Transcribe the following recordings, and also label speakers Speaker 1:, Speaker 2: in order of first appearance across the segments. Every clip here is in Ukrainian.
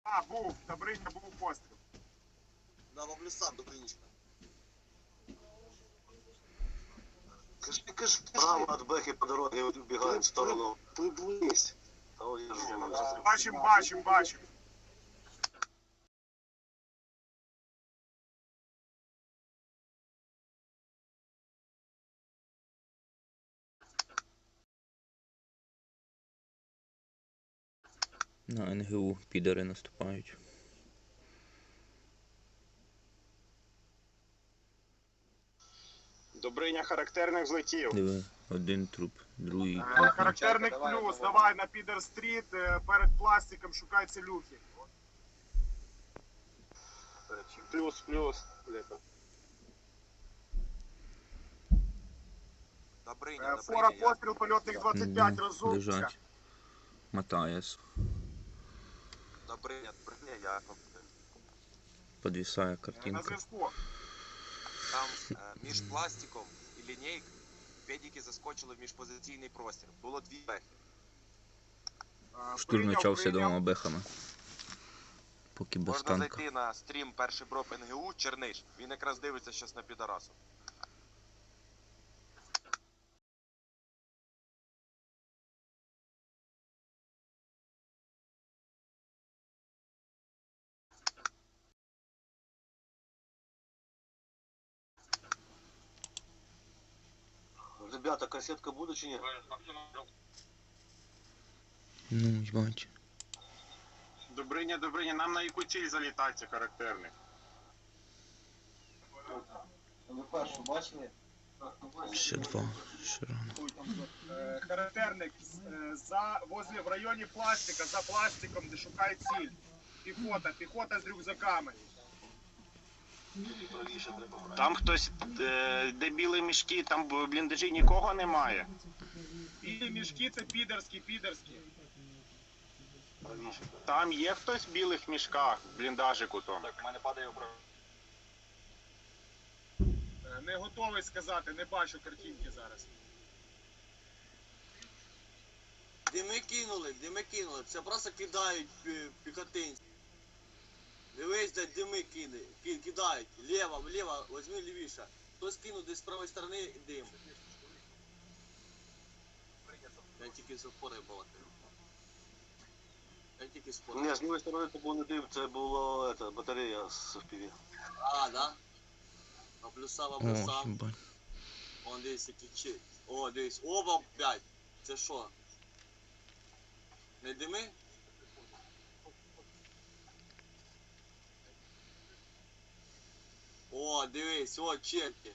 Speaker 1: А, був, Добриня, був постріл.
Speaker 2: Да, воблю сам, Добринечка. Кажи,
Speaker 3: Право от Бэхи по дороге убегает в сторону.
Speaker 2: приблизь.
Speaker 1: Бачим.
Speaker 4: На НГУ підари наступають.
Speaker 1: Добриня характерник злетів.
Speaker 4: Диви, один труп, другий.
Speaker 1: Характерник плюс, давай на Підер-стріт, перед пластиком шукай целюхи. Плюс.
Speaker 2: Добриня,
Speaker 1: Фора постріл, польотних 25, розумчика.
Speaker 4: Лежать. Матаєс.
Speaker 2: Добриня, я.
Speaker 4: Подвисає
Speaker 1: На
Speaker 4: картинка.
Speaker 1: зв'язку.
Speaker 2: Там між пластиком і лінійкою педики заскочили в міжпозиційний простір. Було дві бехи.
Speaker 4: Штурм почався двома бехами. Поки без
Speaker 2: Можна
Speaker 4: танка.
Speaker 2: зайти на стрім перший броб НГУ Черниш. Він якраз дивиться щас на підарасу.
Speaker 3: Ребята, кассетка будет чи нет?
Speaker 4: Ну, бач.
Speaker 1: Добриня, нам на яку ціль залітається характерник?
Speaker 5: Ви першу бачили?
Speaker 4: Ще два. Ще рано.
Speaker 1: Характерник в районі пластика, за пластиком, де шукає ціль. Піхота з рюкзаками.
Speaker 6: Там хтось, де білі мішки, там в бліндажі нікого немає.
Speaker 1: Білі мішки це підерські.
Speaker 6: Там є хтось в білих мішках, в бліндажику там.
Speaker 2: Так, в мене падає управління.
Speaker 1: Не готовий сказати, не бачу картинки зараз.
Speaker 3: Дими кинули. Це просто кидають піхотинці. Дивись, де дими кидають. Лево, возьми лівіше. Хтось кинув десь з правої сторони дим. Я тільки з опори балакаю. Ні, з лівої сторони це був не дим, це була батарея з FPV. А, да? Облюсав.
Speaker 4: О, бать.
Speaker 3: Он десь який чит. О, дивись, оба 5. Це що? Не дими? О, дивись, о, черти.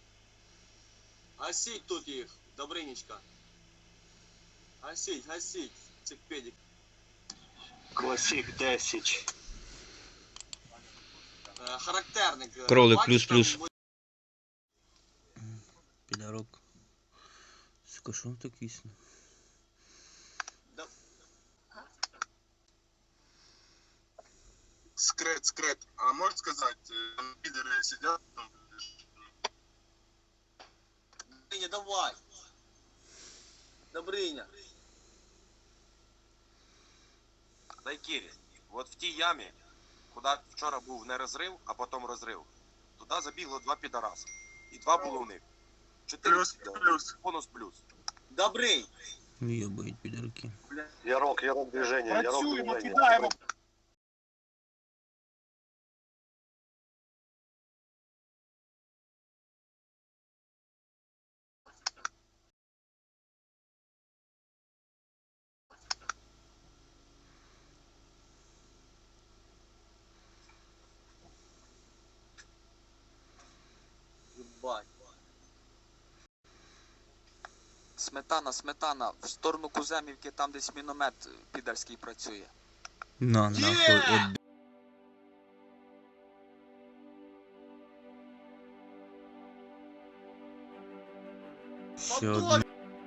Speaker 3: Гасіть тут їх, Добринечка. Гасіть, цих педик.
Speaker 6: Класик 10.
Speaker 3: Характерник.
Speaker 4: Кролик
Speaker 3: бачиш,
Speaker 4: плюс.
Speaker 3: там
Speaker 4: Підарок. Сука, що так вісно?
Speaker 1: Скрет. А можешь сказать, там пидоры сидят там?
Speaker 3: Добриня, давай. Добриня.
Speaker 2: Дай Кірі, от в тій ямі, куди вчора був не розрив, а потім розрив, туди забігло два підараси. І два було в них. 4
Speaker 1: Плюс.
Speaker 2: бонус плюс.
Speaker 3: Добрий.
Speaker 4: В'єбають підарки.
Speaker 3: Ярок движение.
Speaker 1: Працюємо, кидаємо.
Speaker 3: Ебать.
Speaker 7: Сметана, в сторону Куземівки, там десь міномет підарський працює.
Speaker 4: На, нахуй. От... Ще один.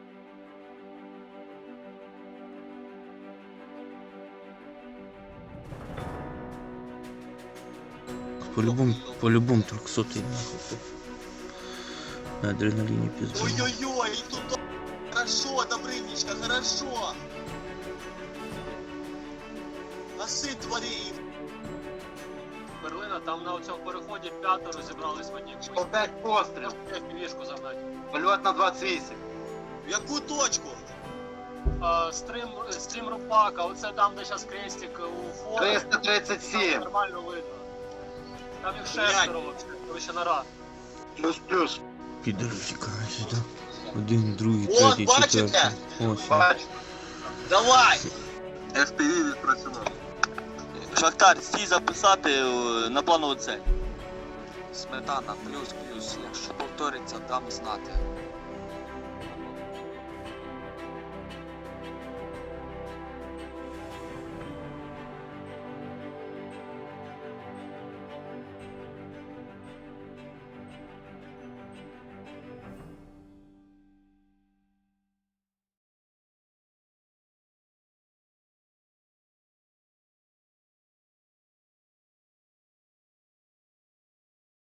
Speaker 4: По-любому 300-й, нахуй. На адреналине пизду.
Speaker 3: Ой-ой-ой, и тут хорошо, Добрынечка, хорошо. Гаси тварі!
Speaker 8: Берлина, там на цьому переході 5 розібрались в одній.
Speaker 9: 105 постріл.
Speaker 8: Півішку загнати.
Speaker 9: Польот на 28.
Speaker 3: В яку точку?
Speaker 8: Стрім Рупака, оце там, де зараз крестик у фоні. Там
Speaker 9: 337.
Speaker 8: нормально видно. Там їх
Speaker 3: Блядь.
Speaker 8: 6 короче, нара.
Speaker 6: Плюс-плюс.
Speaker 4: Підер тікає сюди. Один, другий,
Speaker 3: От,
Speaker 4: третій,
Speaker 3: бачите?
Speaker 4: четвертий. Ось.
Speaker 9: Бачу.
Speaker 3: Давай!
Speaker 2: FPV відпрацював.
Speaker 3: Шахтар, стій записати на планову цель.
Speaker 7: Сметана, плюс, якщо повториться, дам знати.